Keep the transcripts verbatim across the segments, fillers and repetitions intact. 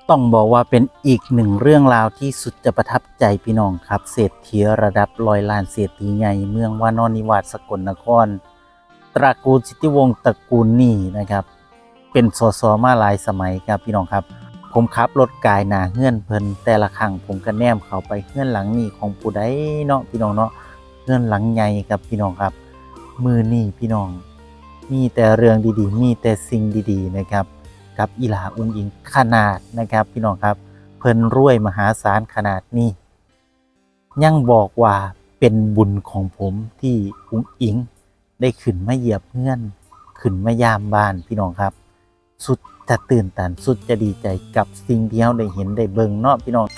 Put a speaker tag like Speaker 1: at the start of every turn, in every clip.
Speaker 1: ต้องบอกว่าเป็นอีกหนึ่งเรื่องราวที่สุดจะประทับใจพี่น้องครับเศรษฐีระดับร้อยล้านเศรษฐีใหญ่เมืองวานอนนิวาสสกลนครตระกูลสิทธิวงศ์ตระกูลนี่นะครับเป็นสสมาหลายสมัยครับพี่น้องครับผมขับรถกายหนาเฮือนเพิ่นแต่ละครั้งผมก็แนมเข้าไปเฮือนหลังนี้ของผู้ใดเนาะพี่น้องเนาะเฮือนหลังใหญ่ครับพี่น้องครับมือนี่พี่น้องมีแต่เรื่องดีๆมีแต่สิ่งดีๆนะครับกับอีหลาอุ้งอิงขนาดนะครับพี่น้องครับเพิ่นรวยมหาศาลขนาดนี้ยังบอกว่าเป็นบุญของผมที่อุ้งอิงได้ขึ้นมาเหยียบเฮือนขึ้นมายามบ้านพี่น้องครับสุดจะตื่นตันสุดจะดีใจกับสิ่งที่เราได้เห็นได้เบิ่งเนาะพี่น้อง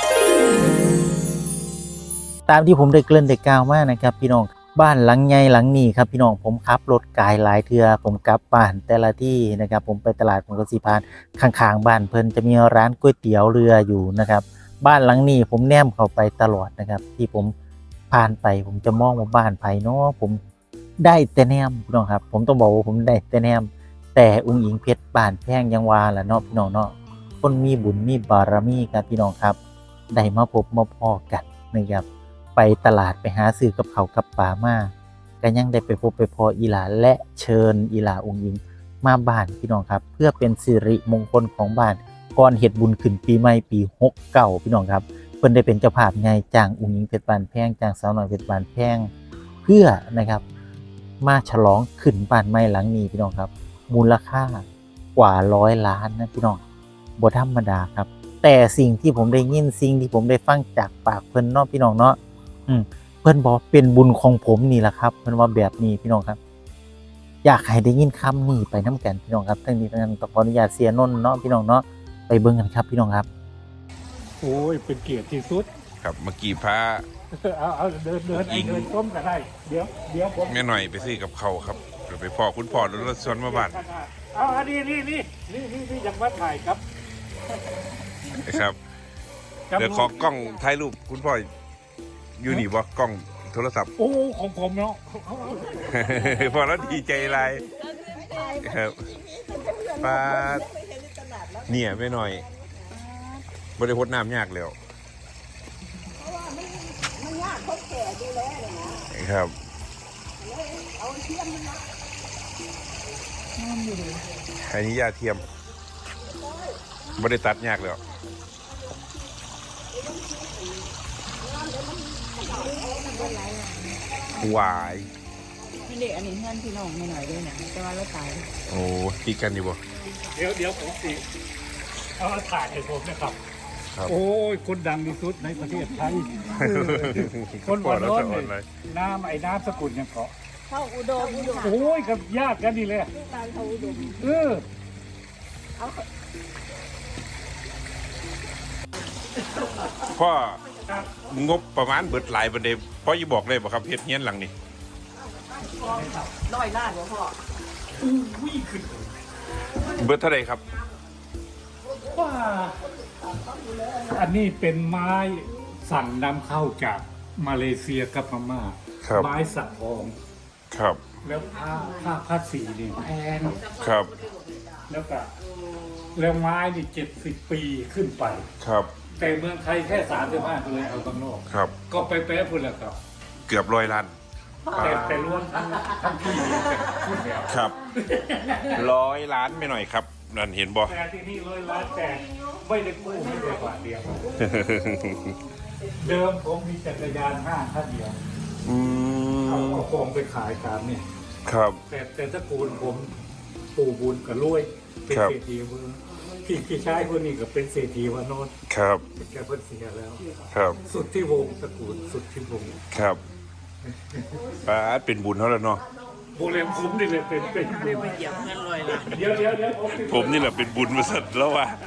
Speaker 1: ตามที่ผมได้เกริ่นได้กล่าวมานะครับพี่น้องบ้านหลังใหญ่หลังนี้ครับพี่น้องผมขับรถกายหลายเทื่อผมกลับบ้านแต่ละที่นะครับผมไปตลาดผมก็สิผ่านข้างๆบ้านเพิ่นจะมีร้านก๋วยเตี๋ยวเรืออยู่นะครับบ้านหลังนี้ผมแนมเข้าไปตลอดนะครับที่ผมผ่านไปผมจะมองว่าบ้านไผเนาะผมได้แต่แนมพี่น้องครับผมต้องบอกว่าผมได้แต่แนมแต่อุ้งอิงเพชรบ้านแพงยังว่าล่ะเนาะพี่น้องเนาะคนมีบุญมีบารมีครับพี่น้องครับได้มาพบมาพ้อกันนะครับไปตลาดไปหาซื้อกับเขาวกับปลามาก็ยังได้ไปพบไปพออีหลาและเชิญอีหลาอุ้งอิงมาบ้านพี่น้องครับเพื่อเป็นสิริมงคลของบ้านก่อนเฮ็ดบุญขึ้นปีใหม่ปีหกเก้าพี่น้องครับเพิ่นได้เป็นเจ้าภาพใหญ่จ้างอุ้งอิงเพชรบ้านแพงจ้างสาวน้อยเพชรบ้านแพงเพื่อนะครับมาฉลองขึ้นบ้านใหม่หลังนี้พี่น้องครับมูลค่ากว่าร้อยล้านนะพี่น้องบ่ธรรมดาครับแต่สิ่งที่ผมได้ยินสิ่งที่ผมได้ฟังจากปากเพิ่นเนาะพี่น้องเนาะอืมเพิ่นบอกเป็นบุญของผมนี่แหละครับเพิ่นว่าแบบนี้พี่น้องครับอยากให้ได้ยินคำนี้ไปน้ำกันพี่น้องครับทั้งนี้ทั้งนั้นต้องขออนุญาตเสียนนท์เนาะพี่น้องเนาะไปเบิ่งกันครับพี่น้องครับ
Speaker 2: โอ้ยเป็นเกียรติที่สุด
Speaker 3: ครับเมื่อกี้พา
Speaker 2: เอาเอาเดินเดินไอ้เดินต้มก็ได้เดี๋ยวเดี๋ยวผม
Speaker 3: แม่หน่อยไปซื้อกับเขาวครับเดี๋ยวไปพ่อคุณพ่อรถรถชนมาบ้าน
Speaker 2: เอาอันนี้นี่นี่นี่นี่นี่ยังมาถ่ายครับ
Speaker 3: นะครับเดี๋ยวขอกล้องถ่ายรูปคุณพ่ออยู่นี่บ่กล้องโทรศัพท์
Speaker 2: โอ้ของผมเนาะ
Speaker 3: พอแล้วดีใจไรครับป้าเนี่ยแม่หน่อยบริพดน้ำยากแล้วครับอันนี้ยาเทียมบริตัดยากแล้ววาย
Speaker 4: ไม่ได้อันนี้เพื่อนพี่น้องไม่หน่อยด้วยนะแต่ว่าเราตาย
Speaker 3: โอ้ตีกันอยู่บ่
Speaker 2: เดี๋ยวเดี๋ยวผมสิเอามาถ่ายให้ผมนะครับ
Speaker 3: ครับ
Speaker 2: โอ้ยคนดังที่สุดในประเทศไทยคนวันโน้นเลยน้ำไอ้น้ำสกุลยังเกาะ
Speaker 4: เข้าอุดม
Speaker 2: โอ้ยกับญาติกันนี่เลยเออ
Speaker 3: พ่องบประมาณเบิดหลายประเด็นพ่อจะบอกเลยบ่ครับเฮ็ดเฮียนหลังนี้
Speaker 4: ร้อยล้านบ่พ่อ
Speaker 3: เบิดเท่าไหร่ครับ
Speaker 2: ว่าอันนี้เป็นไม้สั่งนำเข้าจากมาเลเซียกับพม่า
Speaker 3: ครับ
Speaker 2: ไม้สักทอง
Speaker 3: ครับ
Speaker 2: แล้วผ้าผ้าผ้าสีนี่แพง
Speaker 3: ครับ
Speaker 2: แล้วก็แล้วไม้นี่เจ็ดสิบปีขึ้นไป
Speaker 3: ครับ
Speaker 2: แต่เมืองไทยแค่สามสิบห้าเลยเอาข้างนอก
Speaker 3: ครับ
Speaker 2: ก็ไปแป๊ะพุ่นแหละครับ
Speaker 3: เกือบร้อยล้าน
Speaker 2: แต่แต่รวมทั้งทั้งที่แต่พูดแล้ว
Speaker 3: ครับร้อยล้านไม่หน่อยครับนั่นเห็นบ่
Speaker 2: แต่ที่นี่ร้อยล้านแต่ไม่ได้กู้ไม่ได้บาทเดียว เดิมผมมีจักรยานห้างคันเดียว
Speaker 3: อื
Speaker 2: เอา
Speaker 3: ม
Speaker 2: เอาของไปขายตามเนี่ย
Speaker 3: ครับ
Speaker 2: แต่แต่ตระกูลผมปู่บุญกับรวยเป็น
Speaker 3: ครับ
Speaker 2: เศรษฐีเมืองพี่พี่ชายคนนี้ก็เป็นเศรษฐีวานนท์
Speaker 3: ครับ
Speaker 2: แกเพิ่นเสียแล้ว
Speaker 3: ครับ
Speaker 2: สุดที่วงศ์ตระกูลสุดที่วงศ์
Speaker 3: ครับป้าดเป็นบุญเท่าแล้วเนาะ
Speaker 2: โบเลมคุ้มนี่เลยเป็นเป็น
Speaker 4: ได้ไปเหยียบเงินร้อยล้าน
Speaker 2: เดี๋ยวเดี๋ยวเดี๋ยวผม
Speaker 3: ผมนี่แหละเป็นบุญมาสัตว์แล้วว่ะ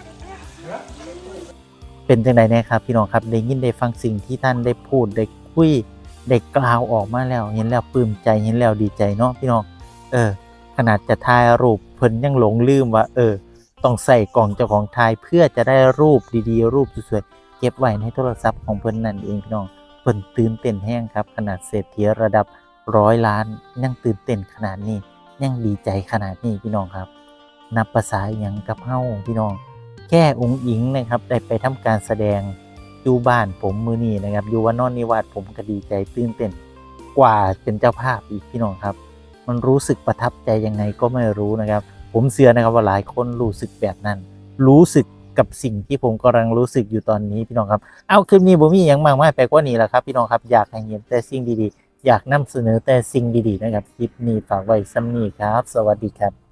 Speaker 1: เป็นจังไดแน่ครับพี่น้องครับได้ยินได้ฟังสิ่งที่ท่านได้พูดได้คุยได้กล่าวออกมาแล้วเห็นแล้วปลื้มใจเห็นแล้วดีใจเนาะพี่น้องเออขนาดจะถ่ายรูปเพิ่นยังหลงลืมว่าเออต้องใส่กล่องเจ้าของถ่ายเพื่อจะได้รูปดีๆรูปสวยๆเก็บไว้ในโทรศัพท์ของเพิ่นนั่นเองพี่น้องเพิ่นตื่นเต้นแห้งครับขนาดเศรษฐีระดับร้อยล้านยังตื่นเต้นขนาดนี้ยังดีใจขนาดนี้พี่น้องครับนับภาษาอย่างกับเฮาพี่น้องแค่องค์อิงนะครับได้ไปทำการแสดงอยู่บ้านผมมือนี้นะครับอยู่ว่านอนนิวาสผมก็ดีใจตื่นเต้นกว่าเป็นเจ้าภาพอีกพี่น้องครับมันรู้สึกประทับใจยังไงก็ไม่รู้นะครับผมเชื่อนะครับว่าหลายคนรู้สึกแบบนั้นรู้สึกกับสิ่งที่ผมกำลังรู้สึกอยู่ตอนนี้พี่น้องครับเอาคลิปนี้ผมมีอย่างมากมายไปกว่านี้แหละครับพี่น้องครับอยากให้เห็นแต่สิ่งดีๆอยากนำเสนอแต่สิ่งดีๆนะครับคลิปนี้ฝากไว้ซ้ำนี้ครับสวัสดีครับ